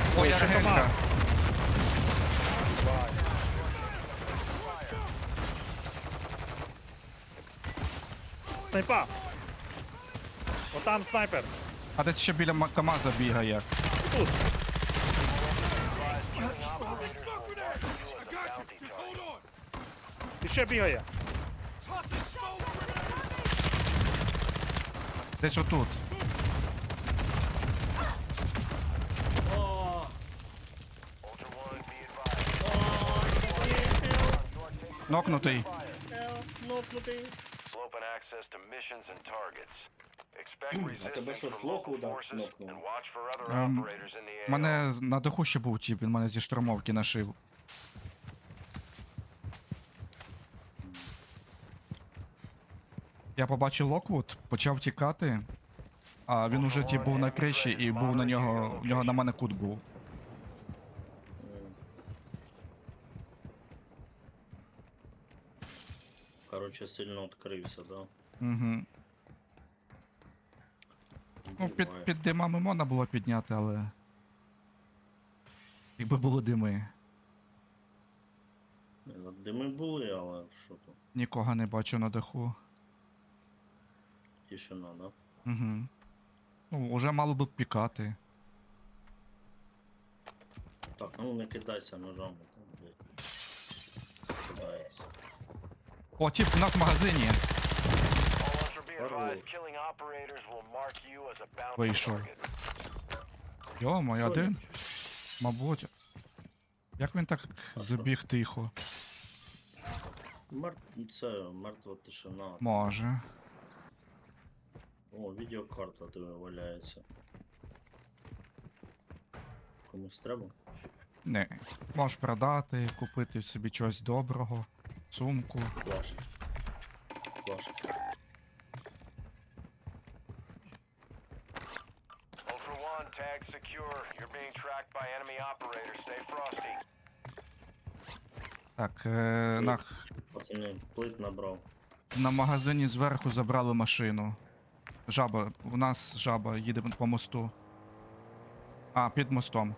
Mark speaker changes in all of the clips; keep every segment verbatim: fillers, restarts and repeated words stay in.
Speaker 1: Моя
Speaker 2: ще
Speaker 1: регенька.
Speaker 2: КамАЗ. Бай. Снайпа! Отам снайпер.
Speaker 1: А десь ще біля Ма- КамАЗа бігає.
Speaker 2: Тут. І ще бігає.
Speaker 1: Десь отут.
Speaker 3: О,
Speaker 1: Нокнутий.
Speaker 3: нокнутий.
Speaker 4: Open access to missions and targets. Expect
Speaker 3: А тебе що,
Speaker 4: resistance from
Speaker 3: слуху
Speaker 4: local
Speaker 3: да-
Speaker 4: forces
Speaker 3: нокнув?
Speaker 4: and watch for other
Speaker 1: Ем,
Speaker 4: operators in the
Speaker 1: У
Speaker 4: A O.
Speaker 1: мене з- на даху ще був тіп, він мене зі штурмовки нашив. Я побачив Локвуд, почав тікати, а він уже тіп був на криші і був на нього, в нього на мене кут був.
Speaker 3: М. Короче, сильно відкрився, да?
Speaker 1: Угу. Ну, під,
Speaker 3: Буває.
Speaker 1: під димами можна було підняти, але. Якби були дими.
Speaker 3: Ні, ну, Дими були, але що то?
Speaker 1: Нікого не бачу на даху.
Speaker 3: Тишина, да?
Speaker 1: Угу. Ну, вже мало би пікати.
Speaker 3: Так, ну не кидайся ножами, там, блядь. Кидається.
Speaker 1: О, тіп, у нас в магазині.
Speaker 4: All ultra be advised,
Speaker 3: Хорош.
Speaker 4: killing operators will mark you as a bounty
Speaker 1: Вийшов.
Speaker 4: target.
Speaker 1: Йо, мой один.
Speaker 3: Сонечко.
Speaker 1: Мабуть. Як він так
Speaker 3: А
Speaker 1: забіг тихо?
Speaker 3: Мер... Це мертва тишина.
Speaker 1: Може.
Speaker 3: О, відеокарта диви валяється. Комусь треба?
Speaker 1: Не. Можеш продати, купити собі чогось доброго. Сумку.
Speaker 3: Плашка. Плашка.
Speaker 4: Ultra One, tag secure. You're being tracked by enemy operators. Stay frosty.
Speaker 1: Так, е, на,
Speaker 3: Пацани, плит набрав.
Speaker 1: на магазині зверху забрали машину. Жаба, у нас жаба їде по мосту. А, під мостом.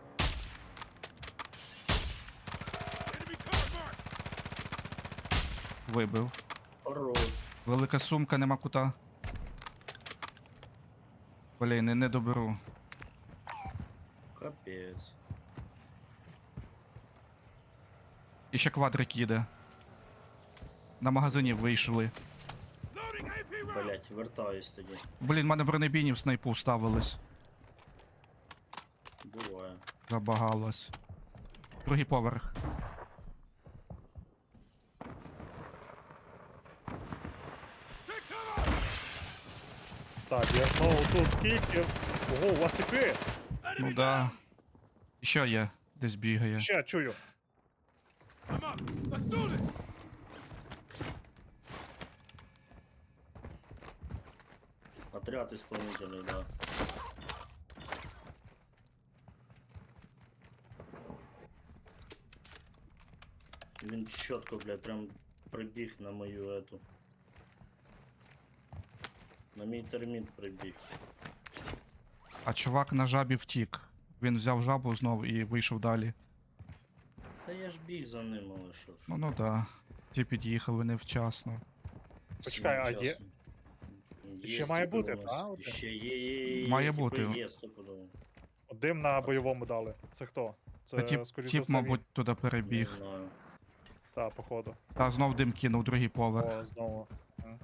Speaker 1: Вибив.
Speaker 3: Хорош.
Speaker 1: Велика сумка, нема кута. Блін, не, не доберу.
Speaker 3: Капець.
Speaker 1: І ще квадрик їде. На магазині вийшли.
Speaker 3: Блять, вертаюсь тоді.
Speaker 1: Блін, в мене бронебійні в снайпу вставились.
Speaker 3: Буває.
Speaker 1: Забагалось. Другий поверх.
Speaker 2: Так, я знову тут скільки. Ого, у вас тіпи.
Speaker 1: Ну да. І ще є, десь бігає.
Speaker 2: Ще чую.
Speaker 3: Отряд исполнителей, да. Він чітко, блядь, прям прибіг на мою эту. На мій терміт прибіг.
Speaker 1: А чувак на жабі втік. Він взяв жабу знов і вийшов далі.
Speaker 3: Та я ж біг за ним, але що ж.
Speaker 1: Ну ну да. Ті під'їхали невчасно.
Speaker 2: Почекай, а
Speaker 3: Всім
Speaker 2: є-
Speaker 3: часом.
Speaker 2: ще
Speaker 3: Є
Speaker 2: має
Speaker 3: типи
Speaker 2: бути,
Speaker 3: у нас.
Speaker 2: да, один?
Speaker 3: Ще є, є, є,
Speaker 1: Має
Speaker 3: є, типи
Speaker 1: бути.
Speaker 3: Є, стопудово.
Speaker 2: Дим на бойовому дали. Це хто? Це,
Speaker 1: Та тіп,
Speaker 2: скоріше за
Speaker 1: тіп
Speaker 2: все,
Speaker 1: мабуть, туди перебіг.
Speaker 3: Не знаю.
Speaker 2: Та, походу.
Speaker 1: Та знов дим кинув другий поверх.
Speaker 2: О, знову. М.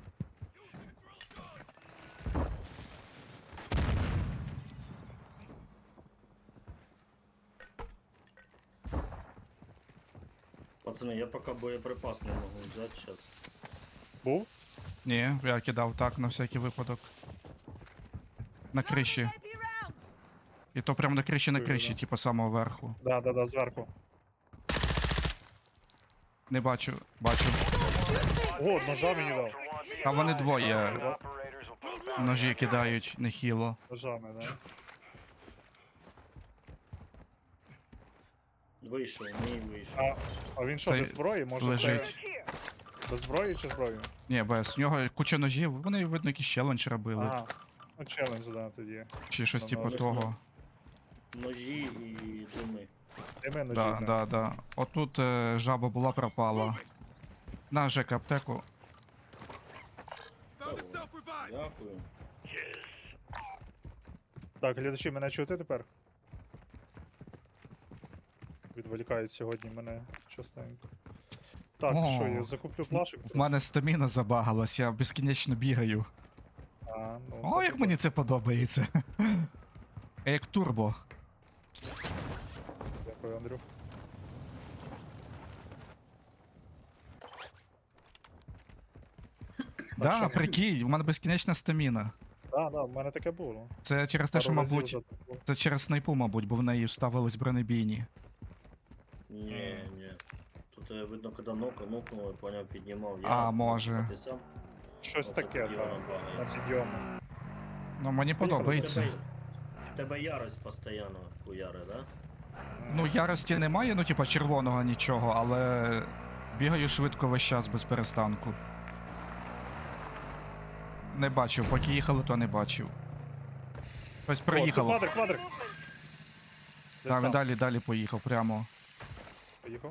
Speaker 3: Пацани, я поки боєприпас не можу взяти зараз.
Speaker 2: Був?
Speaker 1: Ні, я кидав так на всякий випадок. На криші. І то прямо на криші на
Speaker 2: Ой,
Speaker 1: криші,
Speaker 2: да.
Speaker 1: типу самого верху.
Speaker 2: Да, да, да, зверху.
Speaker 1: Не бачу, бачу.
Speaker 2: О, ножа мені дав.
Speaker 4: Ultra One, be
Speaker 1: А вони
Speaker 4: advised,
Speaker 1: двоє
Speaker 4: operators will put bounty
Speaker 1: ножі
Speaker 4: on your
Speaker 1: кидають нехило.
Speaker 2: Ножами, да.
Speaker 3: Вийшов, мій вийшов.
Speaker 2: А, а він що,
Speaker 1: Цей
Speaker 2: без зброї? Може
Speaker 1: лежить.
Speaker 2: це без зброї чи зброю?
Speaker 1: Ні, без. В нього куча ножів, вони, видно, якийсь челендж робили.
Speaker 2: Ага. Ну, челендж, да, тоді.
Speaker 1: Чи щось
Speaker 2: Ну,
Speaker 1: типу
Speaker 2: ножик,
Speaker 1: того.
Speaker 3: Ножі і
Speaker 2: Ти мене
Speaker 1: Да, да, да. Отут е, жаба була пропала. На Жека аптеку.
Speaker 3: Дякую.
Speaker 2: Так, глядачі, мене чути тепер? Відволікають сьогодні мене частенько. Так,
Speaker 1: О,
Speaker 2: що, я закуплю плашок?
Speaker 1: В мене стаміна забагалась, я безкінечно бігаю.
Speaker 2: А, ну,
Speaker 1: О,
Speaker 2: це
Speaker 1: як
Speaker 2: прикольно.
Speaker 1: мені це подобається. Як турбо.
Speaker 2: Дякую, Андрюх.
Speaker 1: Да,
Speaker 2: що,
Speaker 1: прикинь, у мене безкінечна стаміна.
Speaker 2: Так, да, в мене таке було.
Speaker 1: Це через те, що,
Speaker 2: Пару разів
Speaker 1: мабуть,
Speaker 2: вже так було.
Speaker 1: це через снайпу, мабуть, бо в неї вставились бронебійні.
Speaker 3: Ні, ні. Тут е, видно, коли нока нокнуло, поняв, піднімав. Я,
Speaker 1: А, може.
Speaker 3: Ти сам?
Speaker 2: Щось
Speaker 3: Оце
Speaker 2: таке,
Speaker 3: тоді
Speaker 2: так.
Speaker 3: воно багає.
Speaker 2: На підйому.
Speaker 1: Ну, мені
Speaker 3: В тебе,
Speaker 1: подобається.
Speaker 3: в тебе ярость постійно хуяри, да?
Speaker 1: Ну, ярості немає, ну, типа, червоного нічого, але бігаю швидко весь час без перестанку. Не бачив, поки їхали, то не бачив. Ось
Speaker 2: О, тут
Speaker 1: приїхало.
Speaker 2: квадрик, квадрик! Десь
Speaker 1: Там
Speaker 2: там.
Speaker 1: далі, далі поїхав, прямо.
Speaker 2: Поїхав.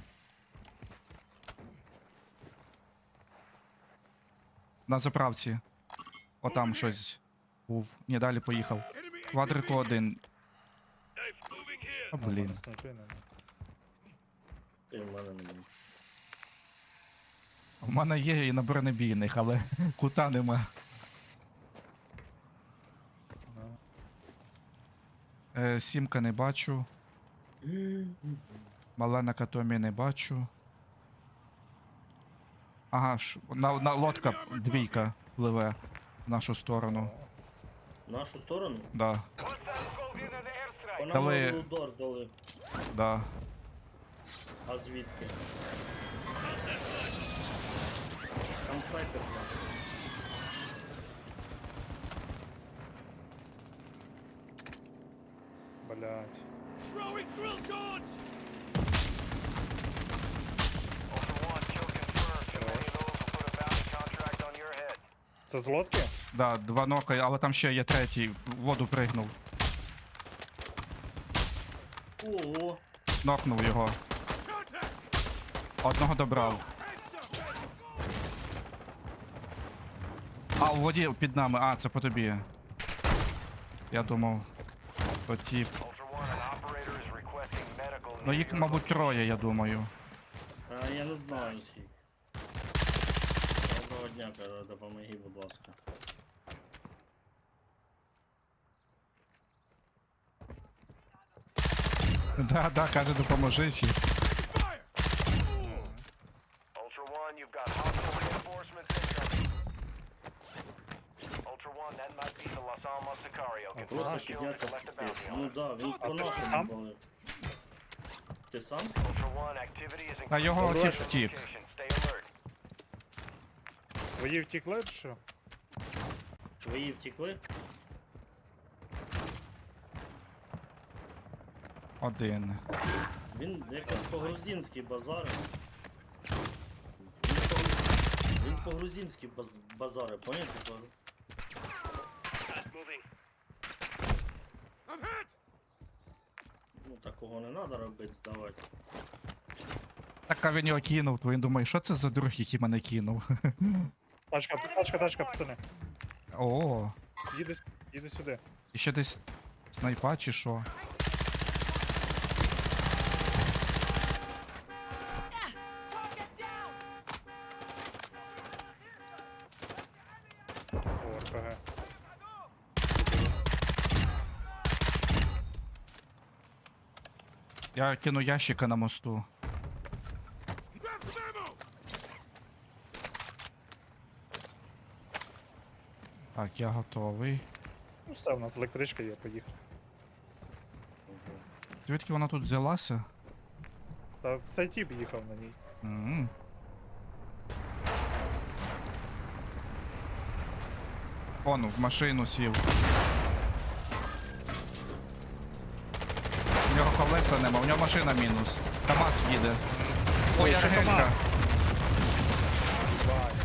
Speaker 1: На заправці. Отам щось був. Ні, далі поїхав. Квадрику один. А,
Speaker 2: А, в мене
Speaker 1: блін.
Speaker 2: снайпи нема.
Speaker 3: Ти в мене не буде.
Speaker 1: У мене є і на бронебійних, але кута нема.
Speaker 2: Ну.
Speaker 1: Е, сімка не бачу. Малена Катомі не бачу. Ага, ш... на, на лодка двійка пливе в нашу сторону.
Speaker 3: В нашу сторону?
Speaker 1: Да,
Speaker 3: По нам
Speaker 1: Дали-
Speaker 3: удар дали.
Speaker 1: да.
Speaker 3: А звідки? Там снайпер. да.
Speaker 2: Блять.
Speaker 4: Ultra One, kill confirmed. Too many of those will put a bounty contract on your head.
Speaker 2: Це з лодки?
Speaker 1: Да, два ноки, але там ще є третій. В воду пригнув.
Speaker 3: Ого!
Speaker 1: Нокнув його. Одного добрав. А, у воді під нами. А, це по тобі. Я думав. То тіп.
Speaker 4: Ultra One, an operator is requesting medical.
Speaker 1: Ну
Speaker 4: near
Speaker 1: їх,
Speaker 4: your
Speaker 1: мабуть,
Speaker 4: location.
Speaker 1: троє, я думаю.
Speaker 3: А я не знаю скільки. Доброго дня, каже, допомоги, будь ласка.
Speaker 1: Да, да, каже, допоможи ще.
Speaker 4: Ultra One, you've got hostile reinforcements incoming. Ultra One, that might be the Los Alamos Sicario. Get
Speaker 3: Просто
Speaker 4: some kills
Speaker 3: підняться
Speaker 4: and collect the
Speaker 3: піпець.
Speaker 4: bounty
Speaker 3: Ну
Speaker 4: on it.
Speaker 3: да, він по
Speaker 2: ти
Speaker 3: нашому
Speaker 2: сам?
Speaker 3: були. Ти сам?
Speaker 4: Ultra One, activity is
Speaker 1: А його
Speaker 2: Добре.
Speaker 1: тіп втік.
Speaker 4: location. Stay alert.
Speaker 2: Твої втікли чи що?
Speaker 3: Твої втекли?
Speaker 1: Один.
Speaker 3: Він якось по-грузинськи базарив. Він по- Він по-грузинськи баз... базарив, поняв? Типа, ну такого не треба робити, здавати.
Speaker 1: Так, а він його кинув, то він думає, що це за друг, який мене кинув.
Speaker 2: Тачка, тачка, тачка, пацани.
Speaker 1: О,
Speaker 2: Їди, с- їди сюди.
Speaker 1: і ще десь снайпа чи що?
Speaker 2: О, РПГ.
Speaker 1: Я кину ящика на мосту. Так, я готовий.
Speaker 2: Ну все, у нас електричка є, поїхали.
Speaker 1: Звідки вона тут взялася?
Speaker 2: Та цей тіп їхав на ній.
Speaker 1: М. Он в машину сів. У нього колеса нема, у нього машина мінус. КамАЗ їде. Ой,
Speaker 2: Ой, ще
Speaker 1: Аргелька.
Speaker 2: КамАЗ. Бай.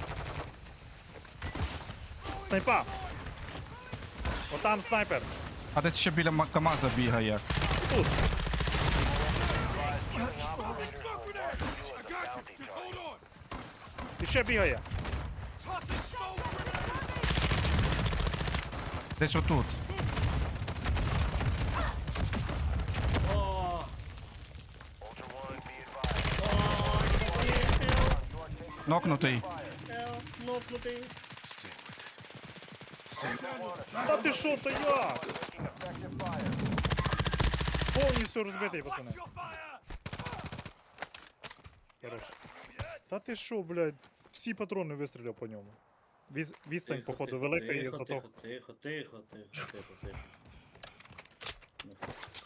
Speaker 2: Снайпа! Отам снайпер!
Speaker 1: А десь ще біля Ма- КамАЗа бігає.
Speaker 2: Тут. І ще бігає.
Speaker 1: Десь отут.
Speaker 3: О,
Speaker 4: Ultra One, be advised.
Speaker 1: Нокнутий.
Speaker 3: нокнутий.
Speaker 2: Та ти що, то я?
Speaker 4: Taking effective fire.
Speaker 2: Повністю розбитий, пацани. Хорош. Та ти що, блядь, всі патрони вистріляв по ньому. Віз- Відстань,
Speaker 3: Тихо,
Speaker 2: походу,
Speaker 3: тихо,
Speaker 2: велика і
Speaker 3: тихо,
Speaker 2: зато.
Speaker 3: Тихо, тихо, тихо, тихо, тихо, тихо. Ну,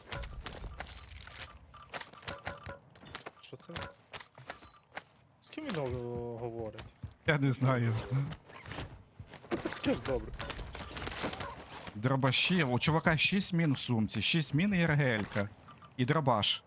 Speaker 2: Що це? З ким він о, говорить?
Speaker 1: Я не знаю.
Speaker 2: Таке ж добре.
Speaker 1: Дробаші. У чувака шість мін в сумці, шість мін і РГЛ-ка. І дробаш.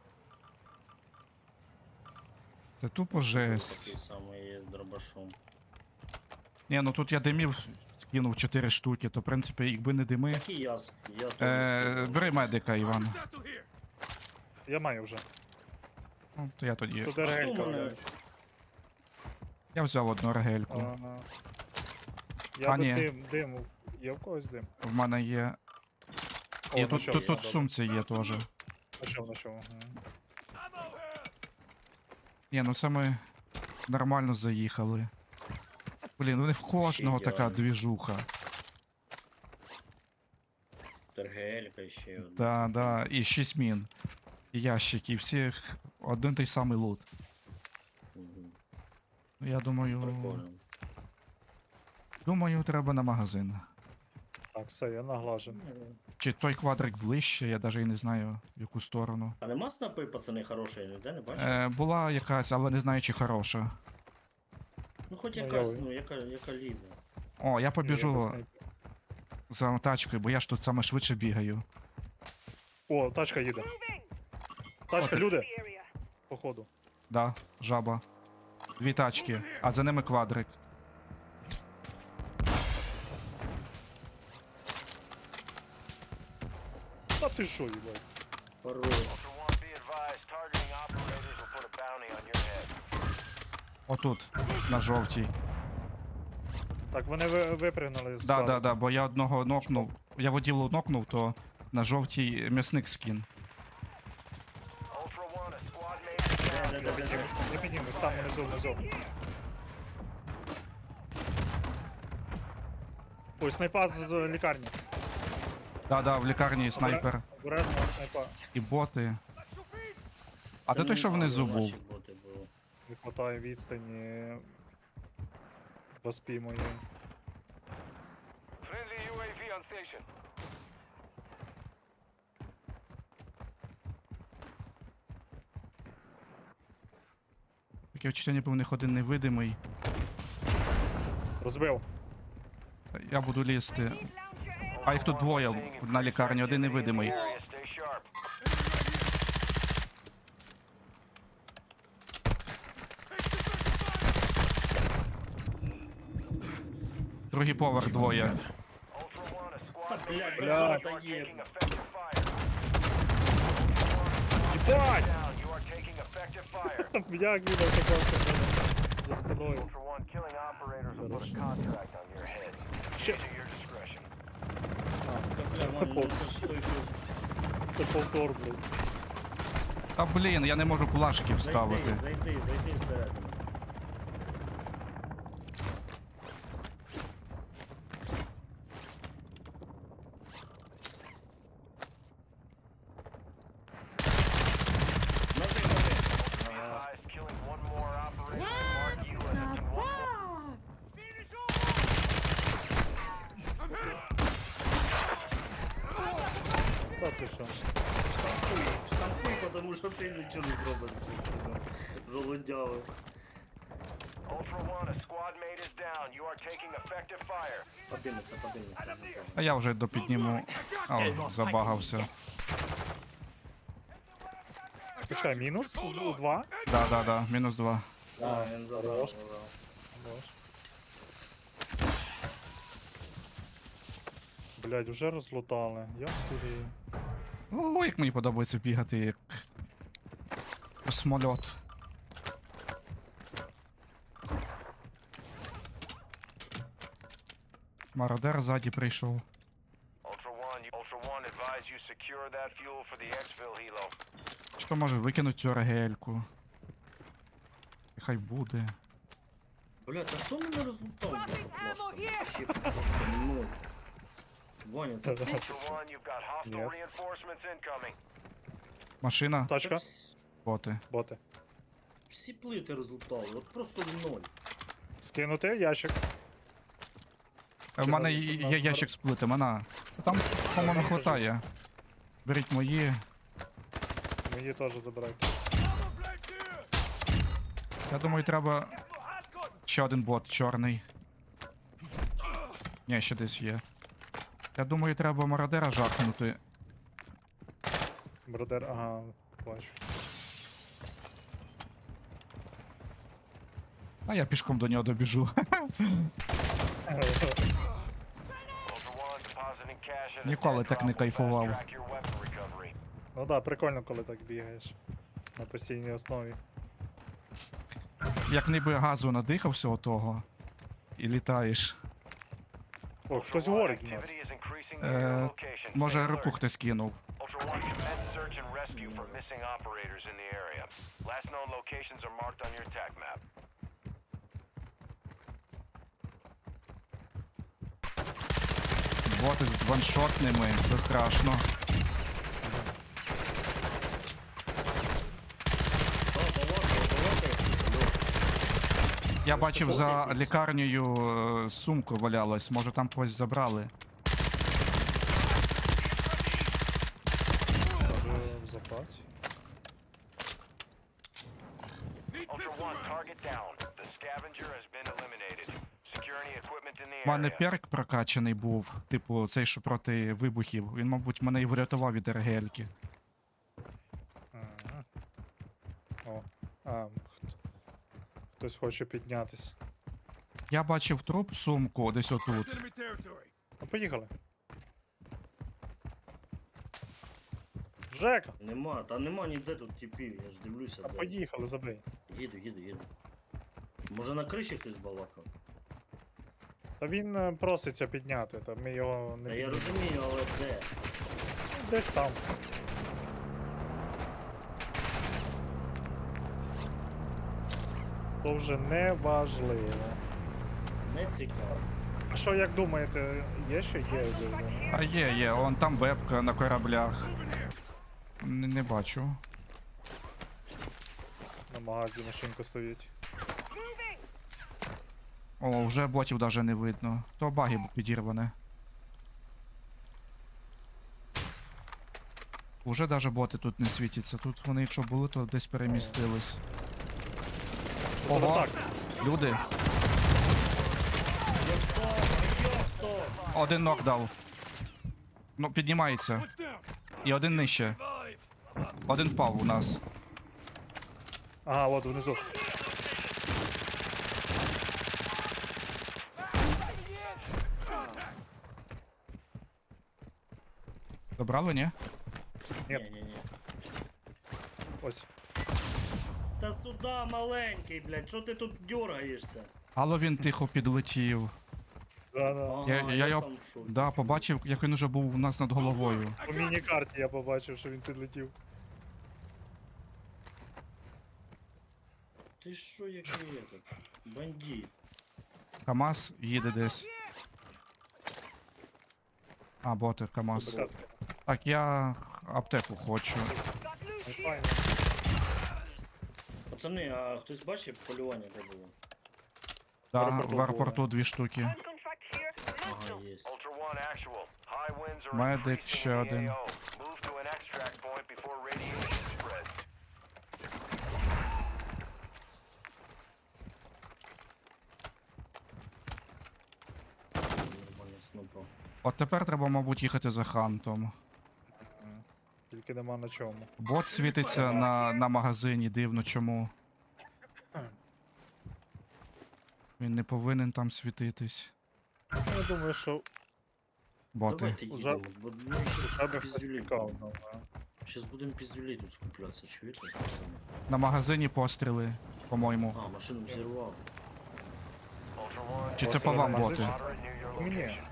Speaker 1: Це тупо жесть.
Speaker 3: Такий самий є з дробашом.
Speaker 1: Ні, ну тут я димів скинув чотири штуки, то в принципі, якби не дими.
Speaker 3: Так і я, с- я теж
Speaker 1: Е,
Speaker 3: скидав.
Speaker 1: бери медика, Іван.
Speaker 2: Я маю вже.
Speaker 1: Ну, то я тоді.
Speaker 2: Тут
Speaker 3: Хто
Speaker 2: ергелька.
Speaker 3: мене?
Speaker 2: блядь.
Speaker 1: Я взяв одну РГЛ-ку.
Speaker 2: Ага. Я
Speaker 1: А,
Speaker 2: до
Speaker 1: ні.
Speaker 2: дим, диму. Є в когось дим?
Speaker 1: В мене є.
Speaker 2: О,
Speaker 1: І тут,
Speaker 2: знайшов,
Speaker 1: тут,
Speaker 2: є,
Speaker 1: тут в
Speaker 2: добре.
Speaker 1: сумці є теж.
Speaker 2: Знайшов, знайшов. ага.
Speaker 1: Ні, ну це ми нормально заїхали. Блін, ну не в кожного
Speaker 3: Ще
Speaker 1: така
Speaker 3: я.
Speaker 1: двіжуха.
Speaker 3: Тергелька ще одна.
Speaker 1: Да, да, і шість мін. І ящики, і всіх один той самий лут.
Speaker 3: Мгм.
Speaker 1: Ну, я думаю.
Speaker 3: Прикольно.
Speaker 1: Думаю, треба на магазин.
Speaker 2: Так, все, я наглажен.
Speaker 1: Чи той квадрик ближче, я навіть і не знаю в яку сторону.
Speaker 3: А нема снапи, пацани, хорошої, ніде не бачив?
Speaker 1: Е, була якась, але не знаю, чи хороша.
Speaker 3: Ну хоч
Speaker 2: Ну,
Speaker 3: якась,
Speaker 2: я-
Speaker 3: ну яка, яка ліва.
Speaker 1: О, я побіжу
Speaker 2: Якось
Speaker 1: за тачкою, бо я ж тут саме швидше бігаю.
Speaker 2: не- О, тачка їде. Тачка,
Speaker 1: О,
Speaker 2: люди. Походу.
Speaker 1: Да, жаба. Дві тачки, а за ними квадрик.
Speaker 2: Та ти що, їбать?
Speaker 3: Хорош.
Speaker 4: Ultra One, be advised. Targeting operators will put a bounty on your head.
Speaker 1: Отут, на жовтій.
Speaker 2: Так, вони ви- випригнули з
Speaker 1: Да,
Speaker 2: кадра.
Speaker 1: да, да, бо я одного нокнув. Я воділу нокнув, то на жовтій м'ясник скін.
Speaker 4: Ultra One, a squad mate is down.
Speaker 2: Не піднімемось, не піднімемось, там внизу, внизу. Ой, снайпа з з лікарні.
Speaker 1: Да, да, в лікарні снайпер.
Speaker 2: Обережно снайпа.
Speaker 1: І боти. А
Speaker 3: Це
Speaker 1: де той,
Speaker 3: не
Speaker 1: що
Speaker 3: наші,
Speaker 1: внизу був?
Speaker 3: наші боти були.
Speaker 2: Не хватає відстані. До спі моєї.
Speaker 4: Friendly ю ей ві on station.
Speaker 1: Таке відчуття, ніби в них один невидимий.
Speaker 2: Розбив.
Speaker 1: Я буду лізти. А їх тут двоє на лікарні, один невидимий.
Speaker 4: Area, stay sharp.
Speaker 1: Другий поверх двоє.
Speaker 4: Ultra One, a squad mate
Speaker 3: Блядь,
Speaker 4: is
Speaker 2: бля.
Speaker 4: down. You
Speaker 3: Та
Speaker 4: are
Speaker 3: є.
Speaker 4: taking effective fire.
Speaker 2: Єбать!
Speaker 4: Down. You are taking effective fire.
Speaker 2: Як він оказався в мене за спиною.
Speaker 4: Ultra One, killing operators will put a contract on your head.
Speaker 2: Ще.
Speaker 4: Use at your discretion.
Speaker 3: Та, бля, Ваня, ну це ж той, що...
Speaker 2: Це повтор, блядь.
Speaker 1: Та блін, я не можу плашки
Speaker 3: Зайди,
Speaker 1: вставити.
Speaker 3: зайди, зайди всередину. Ноги, ноги.
Speaker 4: Be advised, killing one more operator will mark you as a one more.
Speaker 2: Та ти що?
Speaker 3: Штампуй, штампуй, тому що ти нічого не зробиш. Жолодяви.
Speaker 4: Ultra One, a squad mate is down. You are taking effective fire.
Speaker 3: Подивиться, подивиться.
Speaker 1: А я вже допідніму. О, забагався.
Speaker 2: Почекай, мінус? Два?
Speaker 1: Да, да, да, мінус два.
Speaker 3: А, він забрав,
Speaker 2: хорош.
Speaker 3: забрав.
Speaker 2: Блядь, уже розлутали. Я хулію.
Speaker 1: О, як мені подобається бігати, як космольот. Мародер ззаді прийшов.
Speaker 4: Ultra One, you- Ultra One, advise you secure that fuel for the exfil helo.
Speaker 1: Що може викинуть цю регельку? І хай буде.
Speaker 3: Блядь, а хто мене розлутав? Вообще просто ноль. Ваня, це ти чи
Speaker 4: Ultra
Speaker 3: що?
Speaker 4: One, you've got hostile
Speaker 2: Нет.
Speaker 4: reinforcements incoming.
Speaker 1: Машина,
Speaker 3: Та
Speaker 2: Тачка,
Speaker 3: вс-
Speaker 1: боти.
Speaker 2: боти.
Speaker 3: Всі плити розлутали, от просто в ноль.
Speaker 2: Скинути ящик.
Speaker 1: Е, В
Speaker 2: Чи
Speaker 1: мене
Speaker 2: нас-
Speaker 1: є
Speaker 2: нас
Speaker 1: є
Speaker 2: нар-
Speaker 1: ящик з плитами, на. Там, по-моєму,
Speaker 2: Нам теж
Speaker 1: хватає. Беріть мої.
Speaker 2: Мені теж забирайте.
Speaker 1: Я думаю, треба ще один бот чорний. Ні, ще десь є. Я думаю, треба мародера жахнути.
Speaker 2: Бродер, ага, бачу.
Speaker 1: А я пішком до нього добіжу.
Speaker 4: Ultra One, depositing cash at a
Speaker 1: Ніколи
Speaker 4: dead
Speaker 1: так не
Speaker 4: drop will
Speaker 1: кайфував.
Speaker 4: fast-track your weapon recovery.
Speaker 2: Ну да, прикольно, коли так бігаєш. На постійній основі.
Speaker 1: Як ніби газу надихався отого. І літаєш.
Speaker 2: О,
Speaker 4: Ultra
Speaker 2: хтось
Speaker 4: One,
Speaker 2: говорить у нас.
Speaker 4: activity is increasing
Speaker 1: Е,
Speaker 4: near your location.
Speaker 1: Може,
Speaker 4: Stay
Speaker 1: руку
Speaker 4: alert.
Speaker 1: хтось кинув.
Speaker 4: Ultra One, commence search and rescue for missing operators in the area. Last known locations are marked on your attack map.
Speaker 1: Боти з ваншотними, це страшно.
Speaker 3: Та, балакай, балакай.
Speaker 1: Я бачив за лікарнею е, сумку валялась, може там когось забрали.
Speaker 2: Може в запаці.
Speaker 4: Ultra One, target down. The scavenger has been eliminated. Secure any equipment in the
Speaker 1: У мене
Speaker 4: area.
Speaker 1: перк прокачаний був, типу цей, що проти вибухів. Він, мабуть, мене і врятував від ергельки.
Speaker 2: Ага. О, а, хт- хтось хоче піднятись.
Speaker 1: Я бачив труп сумку десь отут.
Speaker 2: Ну, поїхали. Жека!
Speaker 3: Нема, та нема ніде тут типів, я ж дивлюся.
Speaker 2: Та
Speaker 3: де.
Speaker 2: поїхали, забий.
Speaker 3: Їду, їду, їду. Може на криші хтось балакав?
Speaker 2: Та він е, проситься підняти, та ми його не
Speaker 3: Та я
Speaker 2: піднімемо.
Speaker 3: розумію, але де?
Speaker 2: Десь там. То вже не важливо.
Speaker 3: Не цікаво.
Speaker 2: А що, як думаєте, є ще є? де вони?
Speaker 1: А є, є, он там вебка на кораблях. Не, не бачу.
Speaker 2: На магазі машинка стоїть.
Speaker 1: О, вже ботів даже не видно. То баги підірване. Уже даже боти тут не світяться. Тут вони, якщо були, то десь перемістились.
Speaker 2: Це
Speaker 1: Ого,
Speaker 2: так.
Speaker 1: люди.
Speaker 3: Йопта, йопта!
Speaker 1: Один нок дав. Ну, піднімається. І один нижче. Один впав у нас.
Speaker 2: Ага, от внизу.
Speaker 1: Добрали, ні?
Speaker 2: Ні.
Speaker 3: Ні-ні-ні.
Speaker 2: Ось.
Speaker 3: Та сюда маленький, блядь, що ти тут дергаєшся?
Speaker 1: Але він тихо підлетів.
Speaker 2: Да, да.
Speaker 3: Ага,
Speaker 1: Я- я його-
Speaker 3: сам в шокі.
Speaker 1: Да, побачив, як він уже був у нас над головою.
Speaker 2: По міні-карті я побачив, що він підлетів.
Speaker 3: Ти що, який этот? Бандит.
Speaker 1: КамАЗ їде десь. А, боти, КамАЗ.
Speaker 2: Сказка.
Speaker 1: Так, я аптеку хочу.
Speaker 2: Ну, файно.
Speaker 3: Пацани, а хтось бачив полювання де було?
Speaker 1: Да,
Speaker 2: аеропорту
Speaker 1: в аеропорту дві штуки.
Speaker 3: Ага, є.
Speaker 4: Ultra One, actual. High winds are
Speaker 1: Медик
Speaker 4: increasing
Speaker 1: ще
Speaker 4: in the
Speaker 1: один.
Speaker 4: A O. Move to an extract point before radiation spreads.
Speaker 3: Нормально, снупав.
Speaker 1: От тепер треба, мабуть, їхати за хантом.
Speaker 2: Мгм. Тільки нема на чому.
Speaker 1: Бот світиться на, на магазині, дивно чому. Він не повинен там світитись.
Speaker 2: Я думаю, що
Speaker 1: Боти.
Speaker 3: Давайте
Speaker 2: Уже-
Speaker 3: їдемо, бо ми
Speaker 2: Уже
Speaker 3: ще
Speaker 2: би хтось
Speaker 3: піздюлі.
Speaker 2: тікав. ну, а.
Speaker 3: Щас будемо піздюлі тут скуплятися, чуєте, пацани?
Speaker 1: На магазині постріли, по-моєму.
Speaker 3: А, машину взірвав.
Speaker 4: Ultra One,
Speaker 1: Чи це
Speaker 2: Постріли
Speaker 1: по вам
Speaker 2: на
Speaker 1: боти?
Speaker 2: магазин?
Speaker 4: moderate near your
Speaker 2: Мені.
Speaker 4: location.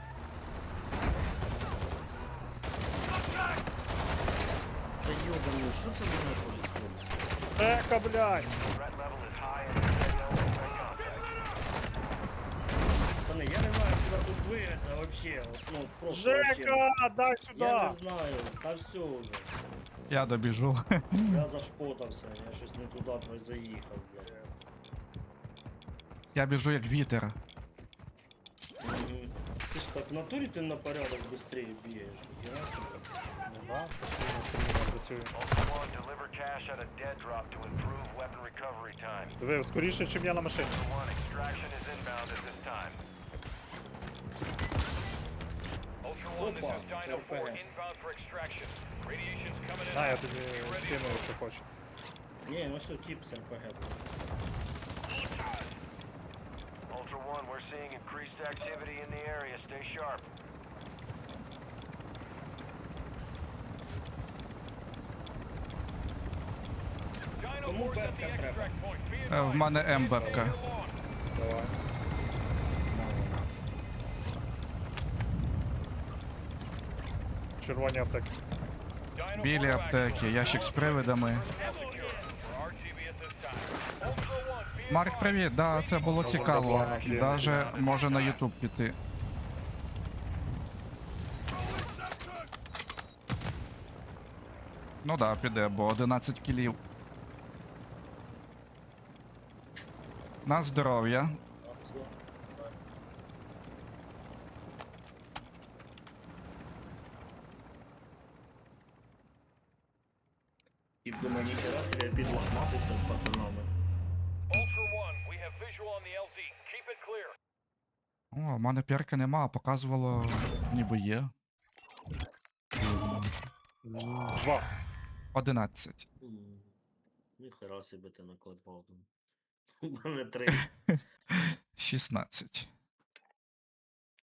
Speaker 3: Та йобаний, що це мене происходит?
Speaker 2: Жека, блядь!
Speaker 4: Threat level is high and you make contact.
Speaker 3: Пацани, я не знаю, куди тут двигатися вообще. От, ну, просто вообще.
Speaker 2: Жека, дай
Speaker 3: Я
Speaker 2: сюди!
Speaker 3: не знаю, та все вже.
Speaker 1: Я добіжу.
Speaker 3: Я зашпотався, я щось не туди про- заїхав, блядь.
Speaker 1: Я біжу як вітер.
Speaker 3: Мгм. Це ж так, в натурі ти на порядок швидше бігаєш. Ніхера собі.
Speaker 2: Ну да, постійно стрімно працює.
Speaker 4: Ultra One, deliver cash at a dead drop to improve weapon recovery time.
Speaker 2: Диви, скоріше, чим я на машині.
Speaker 4: Ultra One, extraction is inbound at this time. Ultra One, this
Speaker 3: Опа,
Speaker 4: is Dino four
Speaker 3: РПГ.
Speaker 4: inbound for extraction. Radiation's coming in.
Speaker 2: На, я
Speaker 4: hot.
Speaker 2: тобі
Speaker 4: Be ready
Speaker 2: скину,
Speaker 4: to move.
Speaker 2: якщо хочеш.
Speaker 3: Ні, ну все, тип з РПГ.
Speaker 4: Ultra One, we're seeing increased activity in the area. Stay sharp. Dino
Speaker 3: Кому
Speaker 4: four's at
Speaker 3: бебка
Speaker 4: the
Speaker 3: треба?
Speaker 4: extract point. Be
Speaker 1: Е, В
Speaker 4: advised.
Speaker 1: мене М-бепка.
Speaker 2: Давай. Червоні аптеки.
Speaker 4: Dino
Speaker 1: Білі
Speaker 4: four
Speaker 1: аптеки, ящик з привидами.
Speaker 4: secure. For R T B at this time. Ultra One, be
Speaker 1: Марк,
Speaker 4: advised.
Speaker 1: привіт, да, це було цікаво.
Speaker 2: Є.
Speaker 1: Даже може на Ютуб піти. Ну да, піде, бо одинадцять кілів. На здоров'я.
Speaker 3: Тип думає, ніхера собі, я підлохматився з пацанами.
Speaker 4: Ultra One, we have visual on the L Z. Keep it clear.
Speaker 1: О, в мене пірки нема, а показувало, ніби є.
Speaker 2: Два.
Speaker 1: одинадцять.
Speaker 3: М, Ніхера собі ти накладав. У мене три.
Speaker 1: шістнадцять.